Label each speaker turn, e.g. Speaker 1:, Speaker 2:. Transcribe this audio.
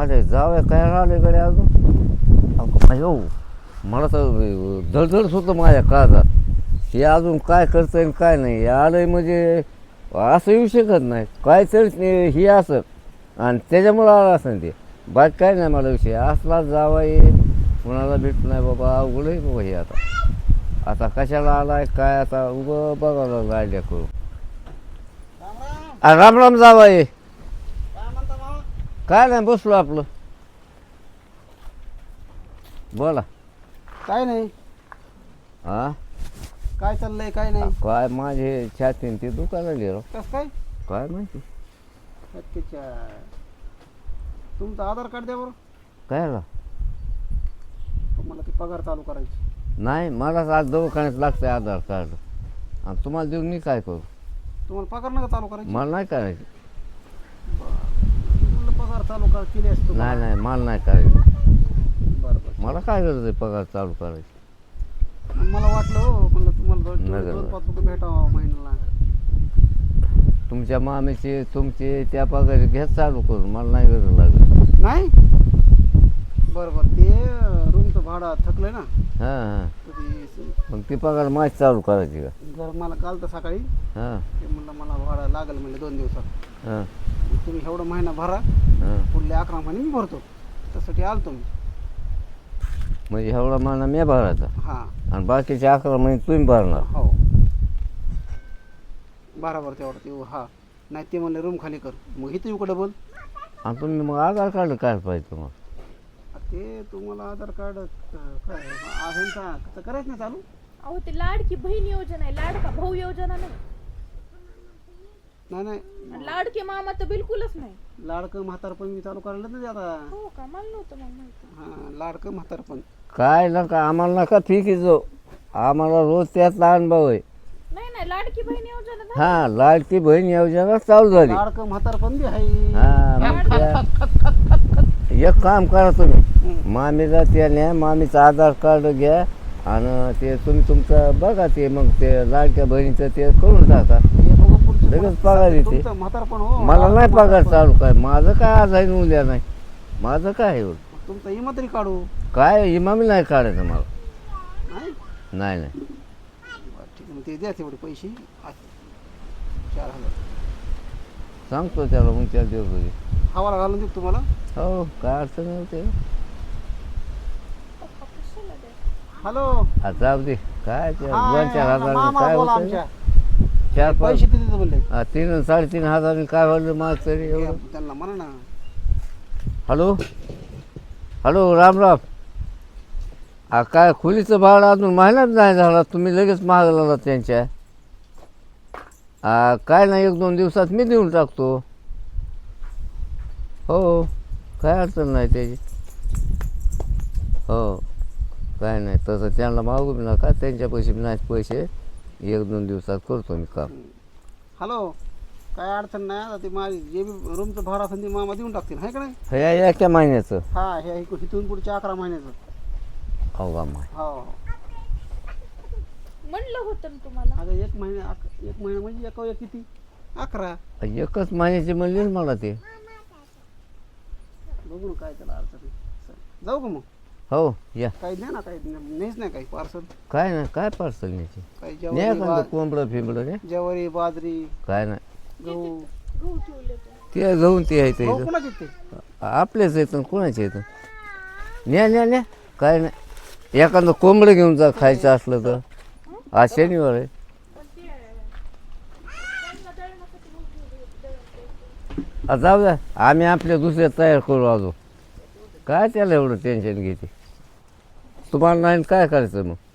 Speaker 1: माझे जावं काय राहिले कडे अजून अयो मला तर धडधडच होतं माझ्या काळजात. हे अजून काय करतं आणि काय नाही, हे आलंय म्हणजे असं येऊ शकत नाही. काय तर हे असं आणि त्याच्यामुळं आलं असं ते. बाकी काय नाही मला विषय असला जावा ये कुणाला भेटत नाही बाबा. अवघड आहे बाबा हे आता कशाला आलाय काय आता उगं बघायला आयडिया करू. राम राम जावा ये. काय नाही बसलो आपलं. बोला.
Speaker 2: काय नाही.
Speaker 1: हा
Speaker 2: काय चाललंय काय नाही.
Speaker 1: काय माझे छातीन ते दुकानाला गेलो.
Speaker 2: कस काय
Speaker 1: काय माहिती
Speaker 2: त्याच्या तुमचं आधार कार्ड द्या बरं.
Speaker 1: काय आला
Speaker 2: तुम्हाला ती पगार चालू करायची.
Speaker 1: नाही मलाच आज दवाखान्यात लागतंय आधार कार्ड आणि तुम्हाला देऊन मी काय करू.
Speaker 2: तुम्हाला पगार नका चालू करायची.
Speaker 1: मला नाही करायचं.
Speaker 2: म्हणलं पगार चालू केली असतो.
Speaker 1: नाही नाही मला नाही करायचं.
Speaker 2: बरं बरं.
Speaker 1: मला काय गरज आहे पगार चालू करायची.
Speaker 2: मला वाटलं हो म्हणलं तुम्हाला
Speaker 1: नाही
Speaker 2: दोन
Speaker 1: गरज.
Speaker 2: 5 रुपये भेटावा महिन्याला.
Speaker 1: तुमच्या मामीचे तुमचे त्या पगारी घ्या चालू करून मला नाही गरज लागत.
Speaker 2: नाही बरं बरं ते रूमचं भाडं थकलंय ना.
Speaker 1: हां हां
Speaker 2: तर ते
Speaker 1: मग ती पगार माझी चालू करायची का.
Speaker 2: जर मला काल तर सकाळी
Speaker 1: हां
Speaker 2: ते म्हणलं मला भाडं लागेल म्हणलं 2 दिवसात.
Speaker 1: हां
Speaker 2: मग तुम्ही एवढं महिना भरा
Speaker 1: हां
Speaker 2: पुढले 11 महिने मी भरतो. त्यासाठी आलतो मी.
Speaker 1: म्हणजे एवढा महिना मी भरायचा
Speaker 2: हां
Speaker 1: आणि बाकीचे 11 महिने तुम्ही भरणार.
Speaker 2: हो बरोबर तेवढं ते हा. नाही ते म्हणले रूम खाली कर मग इथं येऊ का डबल.
Speaker 1: आणि तुम्ही मग आधार कार्ड काय पाहिजे तुम्हाला.
Speaker 2: ते तुम्हाला आधार कार्ड काय ह्यांचा तर करायचं नाही चालू.
Speaker 3: अहो ते लाडकी बहीण योजना आहे, लाडका भाऊ योजना नाही.
Speaker 2: नाही नाही
Speaker 3: आणि लाडके मामा तर बिलकुलच नाही.
Speaker 2: लाडकं म्हातारपण मी चालू करायला नाही आता.
Speaker 3: हो का मला नव्हतं मग माहिती.
Speaker 2: हां लाडकं म्हातारपण.
Speaker 1: काय नका आम्हाला नका फी जो आम्हाला रोज त्यातला अनुभव आहे.
Speaker 3: नाही नाही लाडकी बहीण योजना झाली.
Speaker 1: हां लाडकी बहीण योजना चालू झाली.
Speaker 2: लाडकं म्हातारपण बी आहे.
Speaker 1: हां मग त्या एक काम करा तुम्ही मामीला त्याने मामीचं आधार कार्ड घ्या आणि ते तुम्ही तुमचं बघा ते मग ते लाडक्या बहिणीचं ते करून टाका.
Speaker 2: हे बघू पुढचं
Speaker 1: लगेच पगार येते.
Speaker 2: तुमचं म्हातारपण हो.
Speaker 1: मला नाही पगार चालू काय माझं काय आज आहे न उद्या नाही. माझं काय एवढं
Speaker 2: तुमचं इमात्री काढू.
Speaker 1: काय इमामी नाही काढायचं मला.
Speaker 2: नाही
Speaker 1: नाही नाही
Speaker 2: बरं, ठीक आहे मग ते द्या तेवढे पैसे 4000
Speaker 1: सांगतो त्याला मग त्या दिवस
Speaker 2: हवाला घालून देऊ तुम्हाला.
Speaker 1: हो काय अडचण नव्हते.
Speaker 3: पप्पा कशाला द्या.
Speaker 2: हॅलो
Speaker 1: जाऊ दे काय ते
Speaker 2: हा,
Speaker 1: 2-4 हजार
Speaker 2: मामा
Speaker 1: काय
Speaker 2: बोला
Speaker 1: होतं
Speaker 2: आमच्या.
Speaker 1: 4-5
Speaker 2: पैसे देते म्हणले.
Speaker 1: 3-3.5 हजार काय व्हायला माग तरी एवढं.
Speaker 2: त्यांना म्हणा ना.
Speaker 1: Hello hello Ram Ram. काय खोलीचं भाडं अजून महिन्यात नाही झाला तुम्ही लगेच मागला त्यांच्या. काय नाही 1-2 दिवसात मी देऊन टाकतो. हो काय अडचण नाही त्याची. हो काय नाही तसं त्यांना मागू बी नका त्यांच्या पैसे नाहीत पैसे 1-2 दिवसात करतो मी काम.
Speaker 2: हॅलो काय अडचण नाही. आता ते माझी जे बी रूमचं भाडं असेल ते मामा देऊन टाकतील आहे का नाही.
Speaker 1: हे एका महिन्याचं.
Speaker 2: हा हे इथून पुढच्या 11 महिन्याचं.
Speaker 1: हो का माय
Speaker 2: हो
Speaker 3: म्हणलं होतं ना तुम्हाला.
Speaker 2: अगं 1 महिना म्हणजे एक किती 11.
Speaker 1: एकच महिन्याची म्हणली ना मला ते.
Speaker 2: बघू ना काय त्याला अडचण आहे. जाऊ का मग.
Speaker 1: हो या
Speaker 2: काही नाही ना काही नाहीच नाही काही पार्सल.
Speaker 1: काय नाही काय पार्सल न्यायची
Speaker 2: काही
Speaker 1: न्या
Speaker 2: ज्वारी
Speaker 1: का कोंबडं फिंबडं रे.
Speaker 2: ज्वारी बाजरी
Speaker 1: काय नाही
Speaker 2: गहू.
Speaker 3: गहू ठेवले तर.
Speaker 1: ते घेऊन ते आहे
Speaker 2: गहू
Speaker 1: ते
Speaker 2: कुणाचे ते.
Speaker 1: आपलेच येतं कोणाचे येतं. न्या न्या न्या काय नाही एखादं कोंबडं घेऊन जा खायचं असलं तर. आज शनिवार आहे.
Speaker 3: पण ते त्यांना दळण्यासाठी गहू ठेवले होते, दळण ते.
Speaker 1: जाऊ द्या आम्ही आपल्या दुसऱ्या तयार करू अजून. काय त्याला एवढं टेन्शन घेते. तुम्हाला नाही काय करायचं मग.